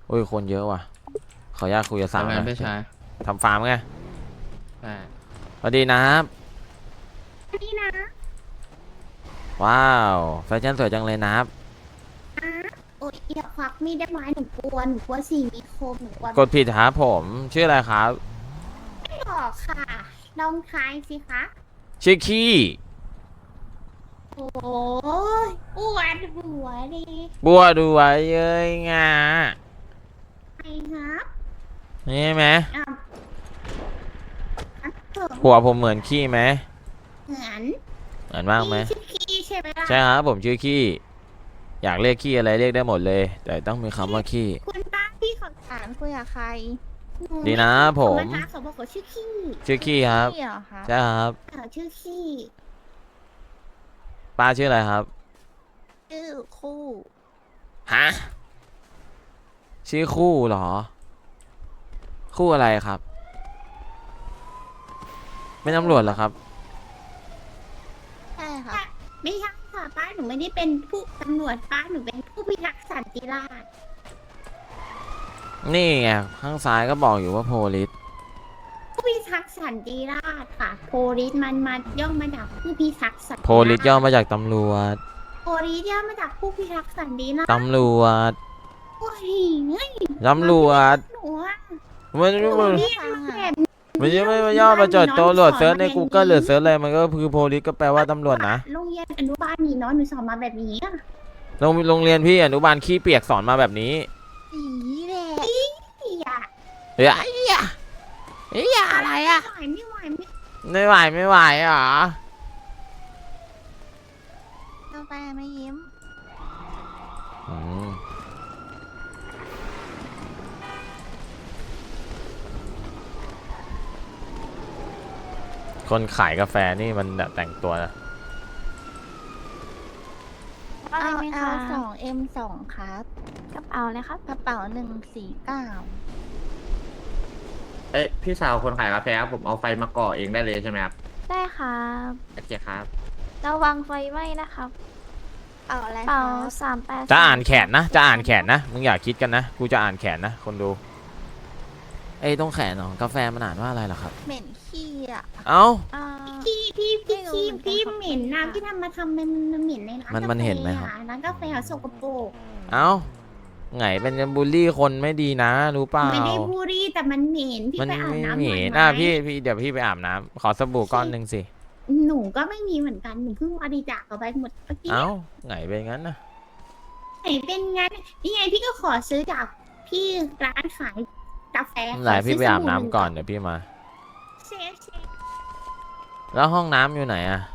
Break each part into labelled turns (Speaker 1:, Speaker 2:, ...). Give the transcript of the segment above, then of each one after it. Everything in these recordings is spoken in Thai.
Speaker 1: โอ้ยคนเยอะว่ะขออนุญาตคุยกับสาว
Speaker 2: ทำ
Speaker 1: ห
Speaker 2: งา
Speaker 1: น่
Speaker 2: น
Speaker 1: อย
Speaker 2: พี่ชาย
Speaker 1: ทำฟาร์มไง
Speaker 2: ใช่
Speaker 1: สวัสดีนะครับ
Speaker 3: นี่นะ
Speaker 1: ว้าวแฟชั่นสวยจังเลยนะครับ
Speaker 3: โอ้ยอย่าควักมีดได้ไหมหนูกลัวสิ่งมีคมหนูกลัว
Speaker 1: กดผิดครับผมชื่ออะไรครับ
Speaker 3: ไม่บอกค่ะลองทายสิคะ
Speaker 1: ชื่อขี้
Speaker 3: โอ้ยปวดหัวดิ
Speaker 1: บัวดูไว้เย้ยงา
Speaker 3: ไอ้ครับ
Speaker 1: นี่ไหม
Speaker 3: อ่ะอ่ะเถอะ
Speaker 1: หัวผมเหมือนขี้ไหม
Speaker 3: เหมือน
Speaker 1: เหมือนมากไหม
Speaker 3: ชื่อขี้ใช่ไหมล่ะ
Speaker 1: ใช่ครับผมชื่อขี้อยากเรียกขี้อะไรเรียกได้หมดเลย แต่ต้องมีคำว่าขี้
Speaker 3: คุณป้าพี่ขอถามคุยกับใครห
Speaker 1: ดีนะผม
Speaker 3: มาถามเขาบอกว่าชื่อขี้
Speaker 1: ชื่อขี้ครับ
Speaker 3: ขี้เหรอคะ
Speaker 1: ใช่ครับ
Speaker 3: ชื่อขี้
Speaker 1: ป้าชื่ออะไรครับ
Speaker 3: ชื่อคู่
Speaker 1: ฮะชื่อคู่เหรอ คู่อะไรครับไม่ตำรวจเหรอครับ
Speaker 3: ใช่ค่ะไม่ใช่ค่ะป้าหนูไม่ได้เป็นผู้ตำรวจป้าหนูเป็นผู้พิทักษ์สันติราษฎร์
Speaker 1: นี่ไงข้างซ้ายก็บอกอยู่ว่าโพลิส
Speaker 3: ผู้พิทักษ์สันติราษฎร์ค่ะโพลิสมันมาย่อมาจากผู้พิทักษ์สันติราษฎร์
Speaker 1: โพลิสย่อมาจากตำรวจ
Speaker 3: โพลิสย่อมาจากผู้พิทักษ์สันติราษฎร์
Speaker 1: ตำรวจ
Speaker 3: โอ้ยเฮ้ย
Speaker 1: ตำรวจ
Speaker 3: หนูอะ
Speaker 1: มัน
Speaker 3: หนู
Speaker 1: มัน
Speaker 3: เรียกแบบ
Speaker 1: มันยังไม่มาย่อมาจากตำรวจเซิร์ชใน Google หรือเซิร์ชอะไรมันก็คือโพลิสก็แปลว่าตำรวจนะ
Speaker 3: โรงเรียนอนุบาลนี่เนาะหนูสอนมาแบบนี้อะ
Speaker 1: โรงเรียนพี่อนุบาลขี้เปียกสอนมาแบบนี้
Speaker 3: สีแดงอีอะ
Speaker 1: เฮ้ยไอ้เหี้ยเฮ้ยอะไรอะ
Speaker 3: ไม่ไหว
Speaker 1: ไม่ไหวเหรอก
Speaker 3: าแฟไม่ยิ้ม
Speaker 1: อืมคนขายกาแฟนี่มันแบบแต่งตัวนะ
Speaker 3: เอา
Speaker 4: เอา
Speaker 3: L2M2 ครับ
Speaker 4: กระเป๋าเลยครับ
Speaker 3: กระเป๋า149
Speaker 2: เอ้ยพี่สาวคนขายกาแฟครับผมเอาไฟมาก่อเองได้เลยใช่ไหมครับ
Speaker 4: ได้ครับ
Speaker 2: โอเคครับ
Speaker 4: ระวังไฟไหม้นะครับ
Speaker 3: เอาอะไร
Speaker 4: เป๋า
Speaker 3: ครับ
Speaker 4: 38
Speaker 1: จะอ่านแขนนะจะอ่านแขนนะมึงอย่าคิดกันนะกูจะอ่านแขนนะคนดูเอ้ยตรงแขนของกาแฟมันอ่านว่าอะไรล่ะครับ
Speaker 3: เหม็นขี้อ่ะ
Speaker 1: เอ้า
Speaker 4: อ่า
Speaker 3: พี่
Speaker 4: ไม่รู้
Speaker 3: ขี้
Speaker 4: เหมือนกัน
Speaker 3: พี่
Speaker 4: ครับ
Speaker 3: เหม็นนะพี่ทำมาทำมันเหม็นในร้าน
Speaker 1: มันเห็นไหมครับ
Speaker 3: ร้านกาแฟอะสกปรก
Speaker 1: เอ้าไงเป็นบูลลี่คนไม่ดีนะรู้เปล่า
Speaker 3: ไม่ได้บูรี่แต่มันเหม็นพี่
Speaker 1: มัน
Speaker 3: ไปอาบ
Speaker 1: ไม่
Speaker 3: น้ำห
Speaker 1: เห
Speaker 3: น่
Speaker 1: ม็
Speaker 3: อย
Speaker 1: น
Speaker 3: ไหม
Speaker 1: พี่เดี๋ยวพี่ไปอาบน้ำขอสบู่ก้อนหนึ่งสิ
Speaker 3: หนูก็ไม่มีเหมือนกันหนูเพิ่งบริจาคเอาไปหมดเมื่อกี้
Speaker 1: เอ้าไงเป็นงั้นนะ
Speaker 3: ไหนเป็นงั้นนี่ไงพี่ก็ขอซื้อจากพี่ร้านขายกาแฟ
Speaker 1: ไหนพี่ไปอาบน้ำ
Speaker 3: ขซื้สบู่
Speaker 1: ก่อนเดี๋ยวพี่มา
Speaker 3: เชฟ
Speaker 1: แล้วห้องน้ำอยู่ไหนอะ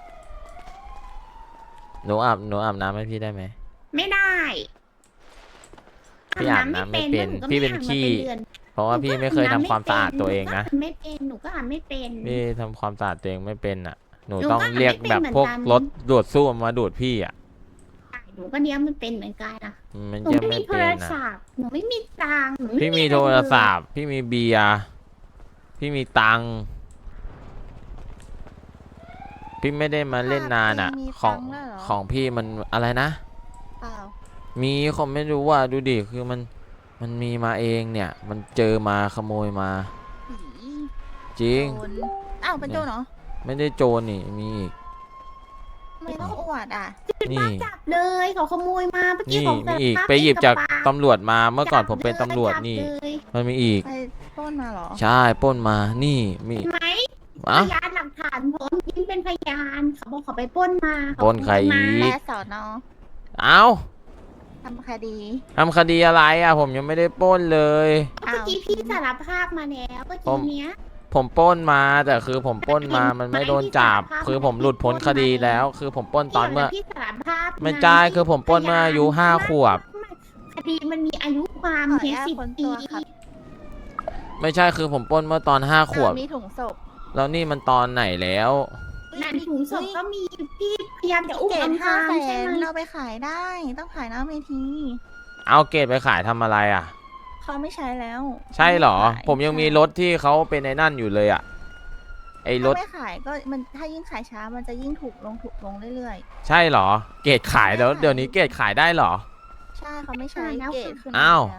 Speaker 1: หนูอาบน้ำให้พี่ได้ไหม
Speaker 3: ไม่ได้
Speaker 1: พี่อาบน้ำไม่เป็น
Speaker 3: หก็
Speaker 1: พี่เป็น
Speaker 3: อาบมา
Speaker 1: ขี้
Speaker 3: ดือน
Speaker 1: เพราะว่าพี่ไม่เคยทำความสะอาดตัวเองนะ
Speaker 3: ไม่เป็นหนูก็อาบไม่เป็น
Speaker 1: พี่ทำความสะอาดตัวเองไม่เป็นอ่ะ หนู
Speaker 3: หนูก็
Speaker 1: ต้องเรียกแบบพวก
Speaker 3: ไม่เป็นเหมือนกัน
Speaker 1: รถดูดซ่วมมาดูดพี่อ่ะ
Speaker 3: หนูก็เนี้ยมันเป็นเหมือนกันนะ
Speaker 1: มัน
Speaker 3: หนู
Speaker 1: จะ
Speaker 3: ไม่
Speaker 1: ไม่
Speaker 3: มีโท
Speaker 1: เป็
Speaker 3: ร
Speaker 1: นอ่ะ
Speaker 3: ศัพท์หนูไม่มีตังค์หนู
Speaker 1: พี่มี
Speaker 3: อะ
Speaker 1: โท
Speaker 3: ไเลย
Speaker 1: รศัพท์พี่มีเบียร์พี่มีตังค์พี่ไม่ได้มาเล่นนานอ่ะ ของพี่มันอะไรนะ
Speaker 3: เปล่า
Speaker 1: มีคนไม่รู้ว่าดูดิคือมันมีมาเองเนี่ย มันเจอมาขโมยมา
Speaker 3: ผี
Speaker 1: จริง
Speaker 3: โจรอ้าวเป็นโจรเหรอ
Speaker 1: ไม่ได้โจรนี่มีอีก
Speaker 3: ทำไม่ต้องอวดอ่ะ
Speaker 1: นี่
Speaker 3: จับเลยเขาขโมยมาเมื่อกี้
Speaker 1: นี่
Speaker 3: ของ
Speaker 1: มีอีก
Speaker 3: สารภาพ
Speaker 1: ไปหยิบจาก
Speaker 3: เองบป
Speaker 1: ตำรวจมาเมื่อก่อนผมเป็น
Speaker 3: จับ
Speaker 1: ตำรวจ
Speaker 3: จับ
Speaker 1: นี่
Speaker 3: เลย
Speaker 1: มันมีอีก
Speaker 3: ไปปล้นมาเหรอ
Speaker 1: ใช่ปล้นมานี่มี
Speaker 3: เห็นไหมพ
Speaker 1: อะ
Speaker 3: ยานหลักฐานพร้อมยิ้มเป็นพยานเขาบอกเขาไปปล้นมาเขา
Speaker 1: ปล้นใครอีก
Speaker 3: แม่สอนอ
Speaker 1: เอ้า
Speaker 3: ทำคดี
Speaker 1: ทำคดีอะไรอ่ะผมยังไม่ได้ปล้นเลย
Speaker 3: เมื่อกี้พี่สารภาพมาแล้วเมื่อ
Speaker 1: ผ
Speaker 3: กี้
Speaker 1: ม
Speaker 3: เนี้ย
Speaker 1: ผมปล้นมาแต่คือผมปล้นมามันไม่โดนจับ
Speaker 3: ไม่
Speaker 1: คือผมหลุดพ้นคดีแล้ว คือผมปล้นตอนเมื่อ
Speaker 3: พี่สารภาพ
Speaker 1: ไม่ใช่คือผมปล้นเมื่ออายุ5 ขวบ
Speaker 3: คดีมันมีอายุความเพียง10 ปี
Speaker 1: ไม่ใช่คือผมปล้นเมื่อตอน5 ขวบ
Speaker 3: มีถุงศพ
Speaker 1: แล้วนี่มันตอนไหนแล้ว
Speaker 3: นั่นถุงศพก็มีพี่พยายามจะอุ้มอำพรางใช่ไหมเราไปขายได้ต้องขายหน้าเวที
Speaker 1: เอาเกรดไปขายทำอะไรอ่ะ
Speaker 3: เขาไม่ใช้แล้ว
Speaker 1: ใช่เหรอ
Speaker 3: ไขาย
Speaker 1: ผมยังมีรถที่เขาเป็นไอ้นั่นอยู่เลยอ่ะไอ้ร
Speaker 3: ถ้า
Speaker 1: ถ
Speaker 3: ไม่ขายก็มันถ้ายิ่งขายช้ามันจะยิ่งถูกลงเรื่อย
Speaker 1: ใช่เหรอ เกรดขายแล้ว
Speaker 3: ไม่ขาย
Speaker 1: เดี๋ยวนี้เกรดขายได้เหรอ
Speaker 3: ๆ ใช่เขาไม่ใช้เกรดขึ้น
Speaker 1: อ้าว
Speaker 3: แล้ว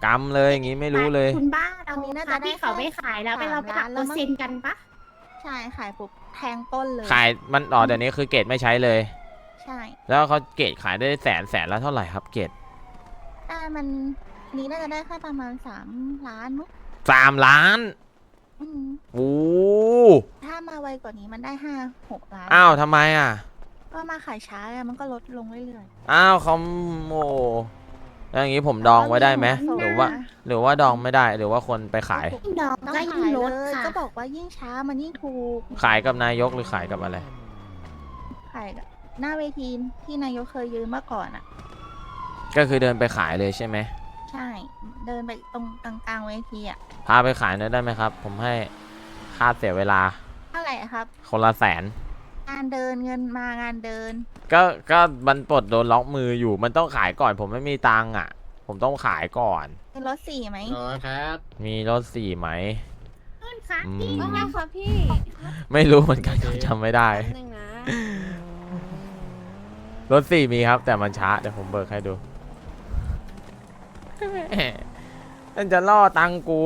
Speaker 1: กำเลยอย่างงี้ไม่รู้เลย
Speaker 3: คุณบ้าเรา
Speaker 5: อันนี้
Speaker 3: นี้
Speaker 5: น่า
Speaker 3: น่า
Speaker 5: จะ
Speaker 3: จะ
Speaker 5: ได้
Speaker 3: ได้เขาไม่ขายแล้วไปเราไปหัก
Speaker 5: 3
Speaker 3: เป
Speaker 5: ล้า
Speaker 3: อน ร์
Speaker 5: แล้วมั้ง
Speaker 3: เซ็นต์กันปะ
Speaker 5: ใช่ขายปุ๊บแทงต้นเลย
Speaker 1: ขายมันเดี๋ยวนี้คือเกรดไม่ใช้เลย
Speaker 5: ใช่
Speaker 1: แล้วเขาเกรดขายได้แสนละเท่าไหร่ครับเกรด
Speaker 5: ได้มันอันนี้น่าจะได้แค่ประมาณ3 ล้านมั้ง
Speaker 1: 3 ล้าน
Speaker 5: อืม
Speaker 1: โอ้
Speaker 5: ถ้ามาไวกว่านี้มันได้5-6 ล้าน
Speaker 1: อ้าวทำไมอ่ะ
Speaker 5: ก็มาขายช้าไงมันก็ลดลงเรื่อย
Speaker 1: อ้าวเขาโอ้แล้วอย่างนี้ผมดองไว้ได้ไหม
Speaker 5: ส่ง
Speaker 1: หรือว่า
Speaker 5: นะ
Speaker 1: หรือว่าดองไม่ได้หรือว่าคนไปขาย
Speaker 3: ดอก
Speaker 5: ๆต้อง
Speaker 3: ก็ยิ่
Speaker 5: ขาง ย
Speaker 3: ลด
Speaker 5: เลย
Speaker 3: ค่ะ
Speaker 5: ก็บอกว่ายิ่งช้ามันยิ่งถูก
Speaker 1: ขายกับนายกหรือขายกับอะไร
Speaker 5: ขายกับหน้าเวทีที่นายกเคยยืนเมื่อก่อนอ่ะ
Speaker 1: ก็คือเดินไปขายเลยใช่ไหม
Speaker 5: ใช่ เดินไปตรงกลางๆเวทีอ่ะ
Speaker 1: พาไปขายหน่อยได้ไหมครับ ผมให้ค่าเสียเวลา
Speaker 5: เท่าไหร่อะครับ
Speaker 1: คนละ100,000
Speaker 5: งานเดินเงินมางานเดิน
Speaker 1: ก็มันปลดโดนล็อกมืออยู่มันต้องขายก่อน ผมไม่มีตังค์อ่ะ ผมต้องขายก่อน
Speaker 5: เป็นรถ4ไหม
Speaker 2: ครับ
Speaker 1: มีรถ4ไหม
Speaker 3: ขึ้นค่ะ
Speaker 1: อื
Speaker 3: พี่
Speaker 1: ม
Speaker 4: ว่าไงคะพี่
Speaker 1: ไม่รู้เหมือนกันครับจำไม่ได้
Speaker 4: หนึ่งนะ
Speaker 1: รถ4มีครับ แต่มันช้าเดี๋ยวผมเบิกให้ดูแม่มันจะล่อตังกู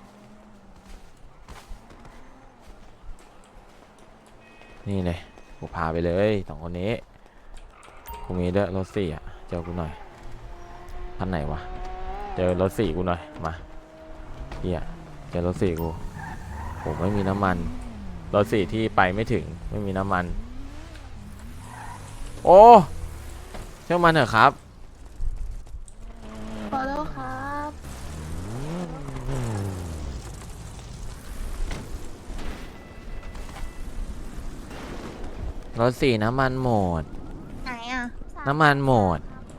Speaker 1: นี่เลยกูพาไปเลย2 คนนี้กูมีด้วยรถ4อ่ะเจอกูหน่อยคันไหนวะเจอรถ4กูหน่อยมาเฮียเจอรถ4กูผมไม่มีน้ำมันรถ4ที่ไปไม่ถึงไม่มีน้ำมันโอ้เชื่อมันเถอะครับ
Speaker 5: พอแล้วครับ
Speaker 1: รถ4น้ำมันหมด
Speaker 5: ไหนอ่ะ
Speaker 1: น้ำมันหมด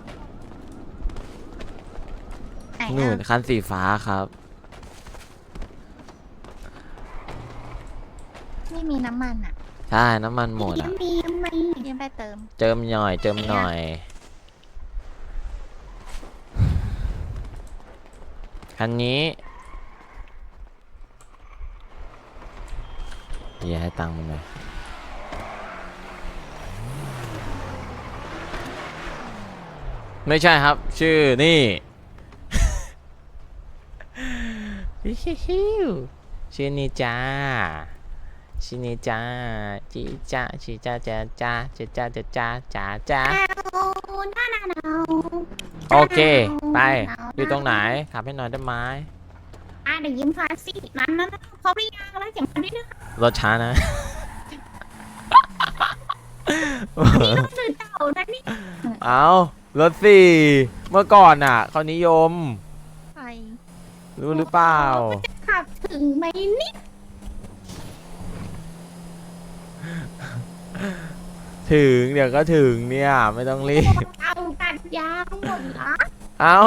Speaker 5: ไหน
Speaker 1: นู่น
Speaker 5: อ่ะ
Speaker 1: คันสีฟ้าครับ
Speaker 5: ไม่มีน้ำมันอ่ะ
Speaker 1: ใช่น้ำมันหมด
Speaker 3: ยั
Speaker 1: อ่ะ
Speaker 3: งมียังมี
Speaker 5: ยืมไปเติม
Speaker 1: เจิมหน่อยเจิมหน่อย คันนี้อย่าให้ตังค์มันเลยไม่ใช่ครับ ชื่อนี่ ชื่อนี่จ้าชื่อนี่จ้าจีจ้าชีจ้าจ้าจ้าจ้าจ้าจ้าจ้าจ้า
Speaker 3: เอาหน้าหนาว
Speaker 1: โอเค ไป อยู่ตรงไหนขับให้หน่อยได้ไหม
Speaker 3: เดี๋ยวยิ้มพาสินั้นเขาเรียกแล้วเสียงคนนี้นะ
Speaker 1: รถช้านะ
Speaker 3: สื่อเต่านะนี่
Speaker 1: เอารถสี่เมื่อก่อนอ่ะเขานิยม
Speaker 5: ไป
Speaker 1: รู้หรือเปล่า
Speaker 3: ขับถึงไหมนี่
Speaker 1: ถึงเดี๋ยวก็ถึงเนี่ย ไม่ต้องรีบ
Speaker 3: เอาตัดยางหมดละ
Speaker 1: เอา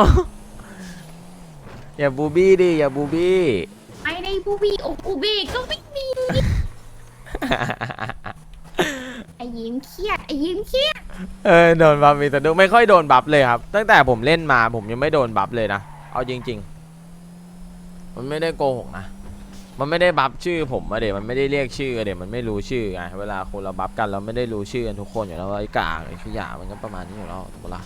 Speaker 1: อย่าบูบี้ดิ อย่าบูบี้
Speaker 3: ไม่ได้บูบีอกอูบีก็ไม่มีไอ้ยิ้มเครียดไอ้ยิ้มเครียด
Speaker 1: โดนบัฟมีแต่ดูไม่ค่อยโดนบัฟเลยครับ ตั้งแต่ผมเล่นมาผมยังไม่โดนบัฟเลยนะ เอาจริง ๆ มันไม่ได้โกหกนะ มันไม่ได้บัฟชื่อผมอะเดี๋ยวมันไม่ได้เรียกชื่ออะเดี๋ยวมันไม่รู้ชื่อไงเวลาคนเราบัฟกันเราไม่ได้รู้ชื่อกันทุกคนอยู่แล้วไอ้กากไอ้ขยะมันก็ประมาณนี้อยู่แล้วถูกปะล่ะ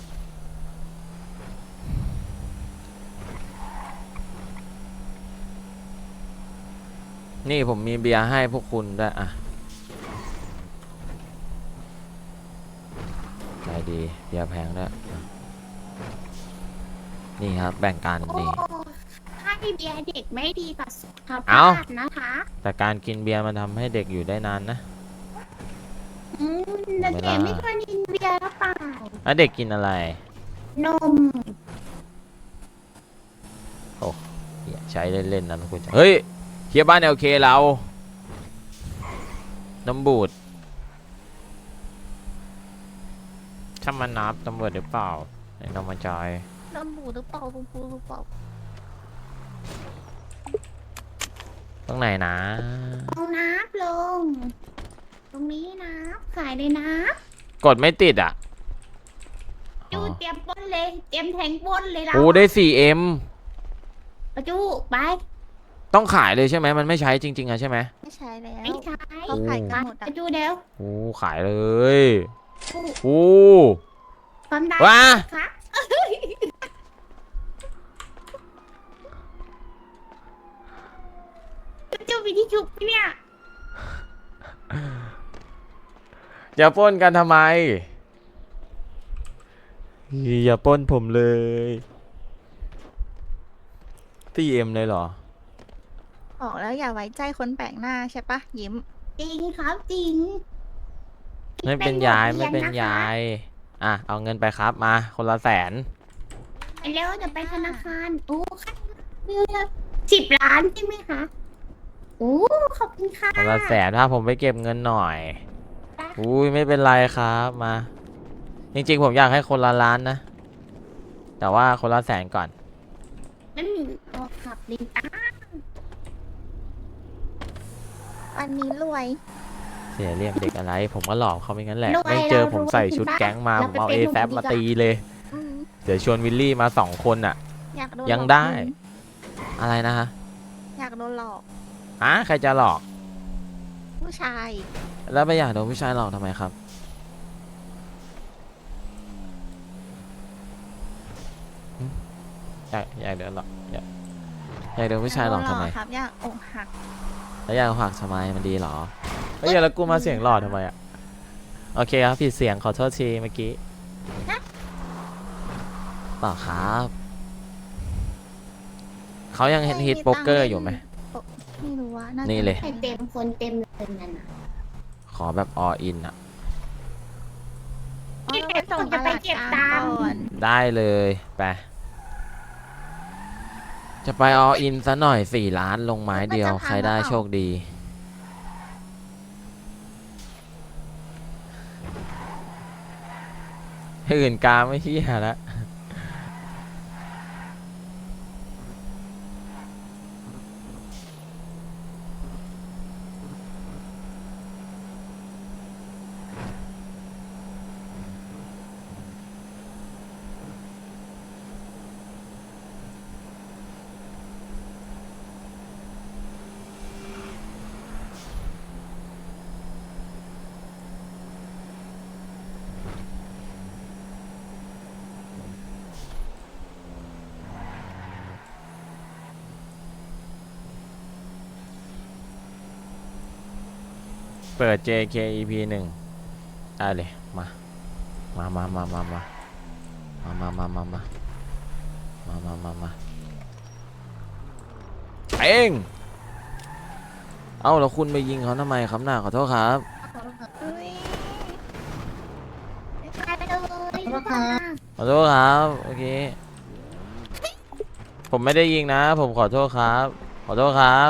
Speaker 1: นี่ผมมีเบียร์ให้พวกคุณด้วยอะใจดีเบียร์แพงด้วยอ่ะนี่ครับแบ่งกัน
Speaker 3: โอ้
Speaker 1: นี่
Speaker 3: ให้เบียร์เด็กไม่ดีต่อสุข
Speaker 1: เอ้า
Speaker 3: ภาพนะคะ
Speaker 1: แต่การกินเบียร์มันทำให้เด็กอยู่ได้นานนะ
Speaker 3: แต่เด็กไม่เคยกินเบียร์หรือเปล่า
Speaker 1: แล้วเด็กกินอะไร
Speaker 3: นม
Speaker 1: เหี้ยใช้เล่นๆนะทุกคนเฮ้ยเฮียบ้านโอเคเราน้ำบูดถ้ามันนับตำรวจหรือเปล่าไอ้น้องมาจอย
Speaker 5: น้ำบูดหรือเปล่าบูดหรือเปล่า
Speaker 1: ตรงไหนนะ
Speaker 3: เอาน้ำลง ตรงนี้น้ำขายเลยน้
Speaker 1: กดไม่ติดอ่ะ
Speaker 3: ำจูเตรียมปนเลย เตรียมแทงปนเลยเรา
Speaker 1: โอ้ได้ 4M
Speaker 3: ประจูไป
Speaker 1: ต้องขายเลยใช่ไหมมันไม่ใช้จริงๆอะใช่ไหม
Speaker 5: ไม่ใช้แล้ว
Speaker 3: ไม่ใช่
Speaker 5: เขาขายกันหมด
Speaker 3: ป
Speaker 5: อ่ะ
Speaker 3: ระจูเดี๋ยว
Speaker 1: โอ้ขายเลยโอ้
Speaker 3: ความดัน
Speaker 1: ว้า
Speaker 3: ค่ะจะมีที่ชุบเนี่ย
Speaker 1: อย่าปล้นกันทำไม อย่าปล้นผมเลย TM เลยเหรอ
Speaker 5: บอกแล้วอย่าไว้ใจคนแปลกหน้าใช่ปะยิ้ม
Speaker 3: จริงครับจริง
Speaker 1: ไม่เป็นยายไม่เป็นยาย อ่ะ เอาเงินไปครับมา คนละ100,000
Speaker 3: ไปแล้วเดี๋ยวไปธนาคารโอ้ค่ะ10 ล้านใช่ไหมคะโอ้ขอบคุณค่ะ
Speaker 1: คนละ100,000ถ้าผมไปเก็บเงินหน่อย อุ้ยไม่เป็นไรครับมา จริงๆผมอยากให้คนละล้านนะ แต่ว่าคนละ100,000ก่อน
Speaker 3: ไม่มีตัวขับลิงอ่ะ
Speaker 5: วันนี้รวย
Speaker 1: เสียเรียกเด็กอะไร ผมก็หลอกเขาไปงั้นแหละ ไม่เจอผมใส่ชุดแก๊งมา ผมเอาAแซมาตีเลย
Speaker 5: อืม
Speaker 1: เดี๋ยวชวนวิลลี่มา2 คนอ่ะ
Speaker 5: อยากโดน
Speaker 1: ยัง
Speaker 5: หลอก
Speaker 1: ได้
Speaker 5: เงิน
Speaker 1: อะไรนะฮะ
Speaker 5: อยากโดนหลอก
Speaker 1: ใครจะหลอก
Speaker 5: ผู้ชาย
Speaker 1: แล้วไปอยากโดนผู้ชายหลอกทำไมครับหึอยากโดนหลอกอยากโดนผู้ชายหลอกทำไม
Speaker 5: ครับอยากอกหัก
Speaker 1: แล้วอยากหักทำไมมันดีเหรอเฮ้ยแล้วกูมาเสียงหลอดทำไมอ่ะ โอเคครับผิดเสียงขอโทษทีเมื่อกี้เปล่าครับเขายังเห็นฮิตโป๊กเกอร์อยู่ไหม
Speaker 5: ไม่รู้ว่าน่าจะ
Speaker 1: นี่เลย
Speaker 3: ให้เต็มคนเต็มเลยนั่นน่ะ
Speaker 1: ขอแบบ all in อ่ะ
Speaker 5: อ๋อเราไปส่งตลาดกลางก่อน
Speaker 1: ได้เลยไปจะไป all in ซะหน่อย4 ล้านลงไม้เดียวใครได้โชคดีอื่นกาไม่เที่ยแล้วเปิด JK EP 1ได้เลยมาเองเอ้าแล้วคุณไปยิงเขาทำไมครับน่าขอโทษครับ
Speaker 5: เฮ้ย
Speaker 3: ไปเลยค่ะ
Speaker 1: ขอโทษครับโอเคผมไม่ได้ยิงนะ ผมขอโทษครับขอโทษครับ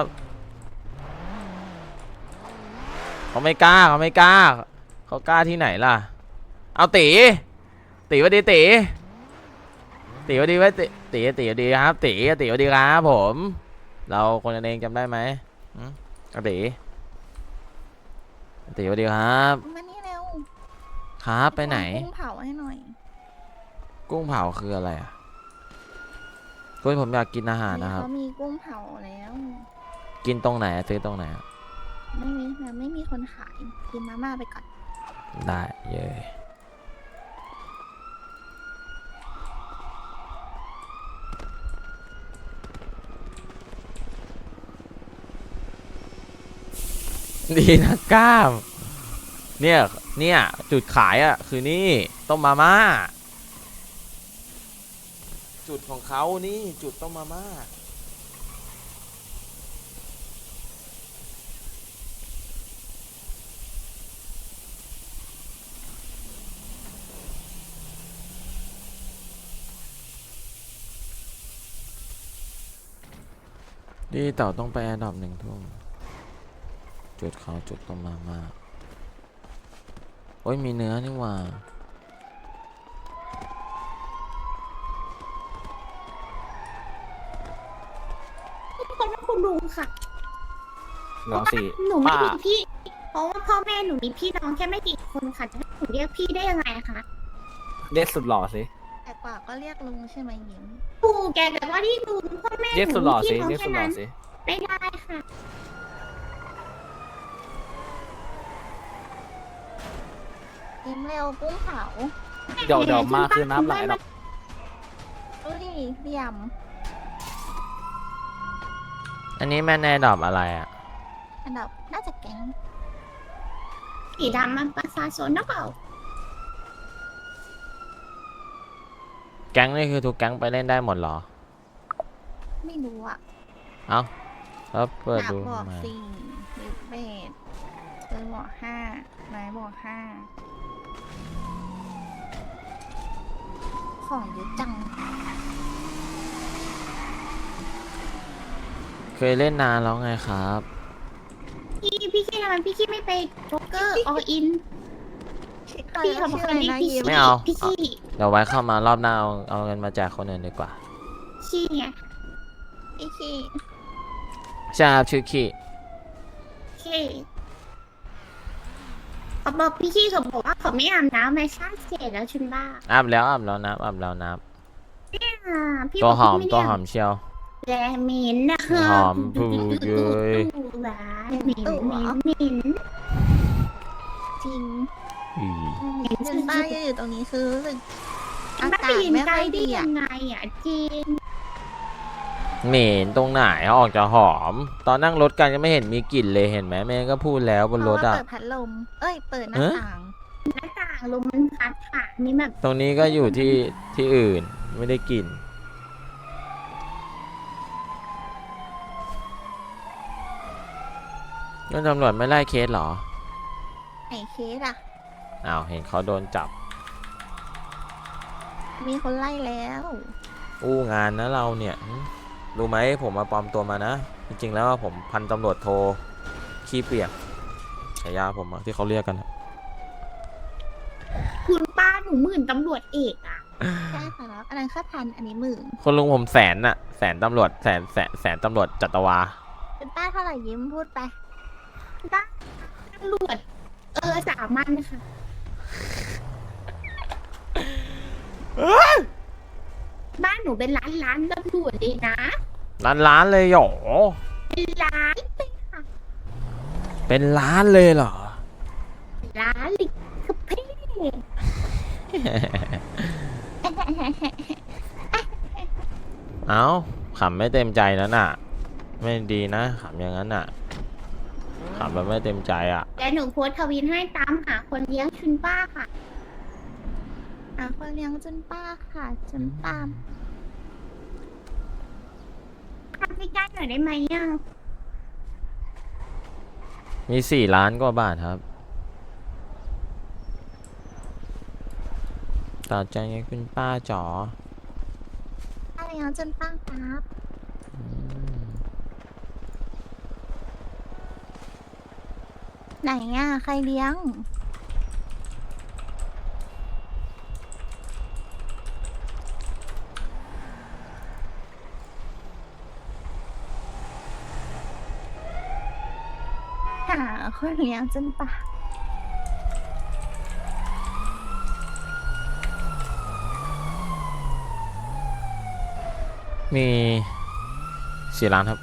Speaker 1: เขาไม่กล้าเขากล้าที่ไหนล่ะเอาตีวัสดีตีวัสดีไว้ตีวัสดีครับตีวัสดีครับผมเราคนกันเองจำได้ไหมเอาตีวัสดีครับ
Speaker 5: มานี่เร็ว
Speaker 1: ครับไปไหน
Speaker 5: กุ้งเผาให้หน่อย
Speaker 1: กุ้งเผาคืออะไรอ่ะกุ้งผมอยากกินอาหารนะครับ
Speaker 5: เขามีกุ้งเผาแล้ว
Speaker 1: กินตรงไหนอะซื้อตรงไหนอะ
Speaker 5: ไม่มีคนขายกินมาม่าไปก่อน
Speaker 1: ได้เย้ดีนะก้ามเนี่ยจุดขายอ่ะคือนี่ต้มมาม่าจุดของเขานี่จุดต้มมาม่าดีเต่าต้องไปแอร์ดรอป1 ทุ่มจุดเขาจุดต้มมาม่าโอ้ยมีเนื้อนี่หว่า
Speaker 3: คนว่าคุณลุงค่ะ
Speaker 6: น้องสี่
Speaker 3: หนูไม่
Speaker 6: ป้า
Speaker 3: มีพี่ เพราะว่าพ่อแม่หนูมีพี่น้องแค่ไม่กี่คนค่ะจะให้หนูเรียกพี่ได้ยังไงคะ
Speaker 6: เรียกสุดหล่อสิ
Speaker 5: แต่กว่าก็เรียกลุงใช่ไหมยิ้ม
Speaker 3: ปู่แกแต่ว่าที่ลุงพ่อแม่ห
Speaker 6: เรียก
Speaker 3: นู
Speaker 6: สุดหล่อ
Speaker 3: มี
Speaker 6: สิ
Speaker 3: พี่น้อง
Speaker 6: เรียก
Speaker 3: แค่
Speaker 6: สุดหล่อ
Speaker 3: นั้น
Speaker 6: สิ
Speaker 3: ไม่ได้ค่ะ
Speaker 5: ยิ้มเร็วกุ้งเผา
Speaker 6: เดี๋ยวมาคือน้ำไหลหรอก
Speaker 5: ดูดิเหลี่ยม
Speaker 1: อันนี้แม่แน่ดรอปอะไรอ่ะ
Speaker 5: อันดับน่าจะแก๊ง
Speaker 3: สีดำมันประชาชนนะเปล่า
Speaker 1: แก๊งนี่คือทุกแก๊งไปเล่นได้หมดเหรอ
Speaker 5: ไม่รู้อ่ะ
Speaker 1: เอ้าแล้วเปิด
Speaker 5: ดาบ
Speaker 1: ดู
Speaker 5: บอก
Speaker 1: ทำไม
Speaker 5: สี่ลิฟเบดเออบอกห้าไม้บอกห้าของเยอะจัง
Speaker 1: เคยเล่นนานแล้วไงครับ
Speaker 3: พี่ขี้ทำไมพี่ขี้ไม่ไปโจ๊กเกอร์ออิน
Speaker 5: ใคร
Speaker 3: พี่
Speaker 5: นะ
Speaker 3: เขาบอก
Speaker 5: ชื่อ
Speaker 3: ค
Speaker 5: อะ
Speaker 3: น
Speaker 5: ไร
Speaker 3: นี้
Speaker 5: นะ
Speaker 3: พี่
Speaker 5: ยิ้ม
Speaker 1: ไม่เอา
Speaker 3: พี่ขี้
Speaker 1: เดี๋ยวไว้เข้ามารอบหน้าเอาเงินมาแจกคนอื่นดีกว่า
Speaker 3: ขี้ไง
Speaker 5: พี่ขี้
Speaker 1: ใช่ครับชื่อขี้
Speaker 3: ขี้เขาบอกพี่ขี้เขาบอกว่าเขาไม่อาบน้ำไม่ชาติเสร็จแล้วชุนบ้า
Speaker 1: อาบแล้วนับอาบแล้วนับ
Speaker 3: พี่
Speaker 1: ตัว
Speaker 3: บอก
Speaker 1: หอม
Speaker 3: พี่
Speaker 1: ตัว
Speaker 3: ไได้
Speaker 1: หอมเชียว
Speaker 3: แรเหมินนะคะ
Speaker 1: หอมพูดเลย
Speaker 3: หวานเหมินเหมินเหมิน
Speaker 5: จริง
Speaker 1: อี
Speaker 5: จนป้ายืนอยู่ตรงนี้คือรู้สึกอา
Speaker 3: มัน
Speaker 5: กา
Speaker 3: ไป
Speaker 5: ศ
Speaker 3: ยืน
Speaker 5: ไม่
Speaker 3: ใก
Speaker 5: ค่
Speaker 3: ล้
Speaker 5: อย
Speaker 3: ได้
Speaker 5: ดี
Speaker 3: ยั
Speaker 5: อ่ะ
Speaker 3: งไงอ่ะจริง
Speaker 1: เหม็นตรงไหนออกจะหอม ตอนนั่งรถกันก็ไม่เห็นมีกลิ่นเลยเห็นไหมแม่ก็พูดแล้วบน
Speaker 5: เพ
Speaker 1: ร
Speaker 5: ราะ
Speaker 1: ถ
Speaker 5: ว่า
Speaker 1: อ่ะ
Speaker 5: เปิดพัดลม เอ้ย เปิดหน้า
Speaker 1: เอ๊ะ
Speaker 5: ต่าง
Speaker 3: หน้าต่างลมมันพัดผ่านนี่แบบ
Speaker 1: ตรงนี้ก็อยู่ที่อื่นไม่ได้กลิ่นก็ตำรวจไม่ไล่เคสเหรอ
Speaker 5: ไหนเคสอ่ะ
Speaker 1: อ้าวเห็นเขาโดนจับ
Speaker 5: มีคนไล่แล้ว
Speaker 1: อู้งานนะเราเนี่ยรู้ไหมผมมาปลอมตัวมานะ จริงๆแล้วผมพันตำรวจโทขี้เปียกฉายาผมอะที่เขาเรียกกันอะ
Speaker 3: คุณป้าหนูหมื่นตำรวจเอกอ่ะ
Speaker 5: ใช่ค่ะแล้วอันนั้นแค่พัน อันนี้หมื่น
Speaker 1: คนลุงผมแสนน่ะแสนตำรวจแสนตำรวจจัตวา
Speaker 5: เป็นป้าเท่าไหร่ยิ้มพูดไป
Speaker 3: ตำรวจสามัญค่ะบ้านหนูเป็นร้านตำรวจเลยนะ
Speaker 1: ล้านเลยเหรอ
Speaker 3: เป็นร้าน
Speaker 1: เป็นล้านเลยเหรอ
Speaker 3: ร้านเลยคือพี่
Speaker 1: เอ้าขำไม่เต็มใจแล้วน่ะ ไม่ดีนะขำอย่างนั้นน่ะขำแบบไม่เต็มใจอ่ะ
Speaker 3: แต่หนูโพสต์ทวินให้ตามหาคนเลี้ยงชุนป้าค่ะ
Speaker 5: คนเลี้ยงจนป้าค่ะ จนป้า
Speaker 3: ทำให้ได้หน่อยได้ไหมอ่ะ
Speaker 1: มี4 ล้านกว่าบาทครับต่อใจไงคุณป้าจ๋อ
Speaker 5: ป้าเลี้ยงจนป้าครับ ไหนอ่ะ ใครเลี้ยง หาคนเลี้ยงจนป้า
Speaker 1: มี4 ล้านครับ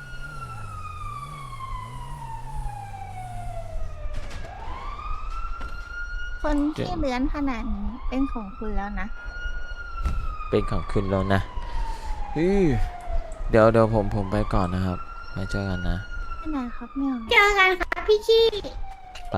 Speaker 5: คนที่เลื้อนขนาดนี้เป็นของคุณแล้วนะ
Speaker 1: เป็นของคุณแล้วนะเดี๋ยวผมไปก่อนนะครับไว้เจอกันนะ
Speaker 5: ที่ไหนครับเนี่ย
Speaker 3: เจอกันค่ะพี่ขี้
Speaker 1: ไป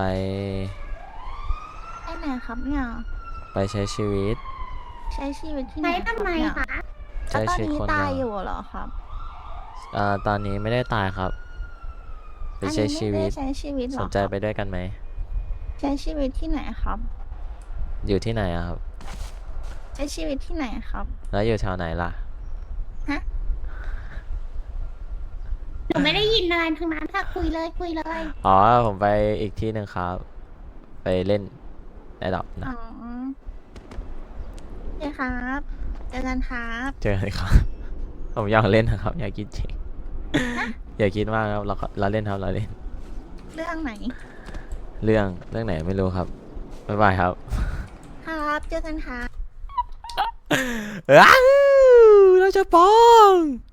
Speaker 5: ที่ไหนครับเนี่ย
Speaker 1: ไปใช้ชีวิต
Speaker 5: ใช้ชีวิตที่ไห
Speaker 3: ไป
Speaker 5: นครับ
Speaker 3: ทำไม
Speaker 5: เนี่ย
Speaker 3: คะ
Speaker 5: แล้ว
Speaker 1: ใช้
Speaker 5: ตอน
Speaker 1: ชีวิต
Speaker 5: นี้
Speaker 1: คน
Speaker 5: ตาย
Speaker 1: เดี
Speaker 5: อยู่เหรอครับ
Speaker 1: ตอนนี้ไม่ได้ตายครับ ไปใช้ชีวิต
Speaker 5: อันนี้ไม่ได้ใช้ชีวิตเหร
Speaker 1: ส
Speaker 5: อน
Speaker 1: ใจไปด้วยกันไหม
Speaker 5: ใช้ชีวิตที่ไหนครับ
Speaker 1: อยู่ที่ไหนอะครับ
Speaker 5: ใช้ชีวิตที่ไหนครับ
Speaker 1: แล้วอยู่แถวไหนล่ะ
Speaker 3: หนูไม่ได้ยินอะไรทั้งนั้นค่ะคุยเลย
Speaker 1: อ๋อ ผมไปอีกที่หนึ่งครับ ไปเล่นได้ดอกนะ
Speaker 5: อ๋อโอเคครับ เจอกันครับ
Speaker 1: เจอกันครับ ผมอยากเล่นนะครับ อยากคิดจริง อย่าคิดมากครับเราเล่นครับเราเล่น
Speaker 5: เรื่องไหน
Speaker 1: เรื่องไหนไม่รู้ครับ บ๊ายบายครับ
Speaker 5: ครับ เจอกันครับ
Speaker 1: อ้าวเราจะปอง